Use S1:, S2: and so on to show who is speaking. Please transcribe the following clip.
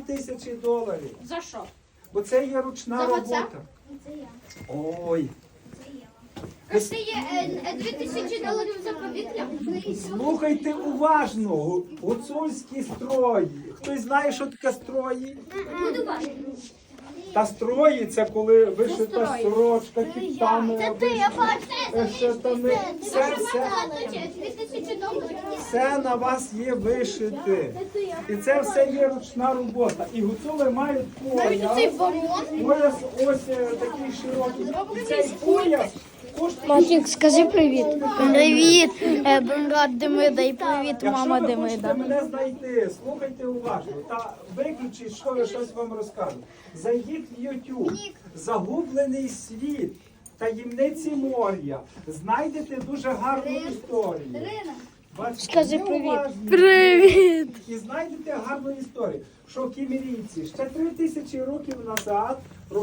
S1: 3000 доларів.
S2: За що?
S1: Бо це є ручна
S2: За оце?
S1: робота. Ой.
S3: Це є 2000 доларів за повітря.
S1: Слухайте уважно. Гуцульські строї. Хтось знає, що таке строї?
S3: Буду важко.
S1: Та строї це коли вишита сорочка, кіптами, штани. Все
S3: 2000 доларів.
S1: Все на вас є вишите. І це все є ручна робота. І гуцули мають пояс. Пояс ось такий широкий. І цей пояс коштує...
S4: Матік, скажи привіт. Привіт, брат Демида, і привіт, мама
S1: Якщо ви хочете
S4: Демида.
S1: мене знайти, слухайте уважно та виключіть, що я щось вам розкажу. Зайдіть в YouTube, загублений світ, таємниці моря. Знайдете дуже гарну історію. Бачите,
S4: Скажи
S1: ви
S4: привіт.
S1: уважні.
S4: Привіт.
S1: І знайдете гарну історію, що кімерійці ще 3000 років назад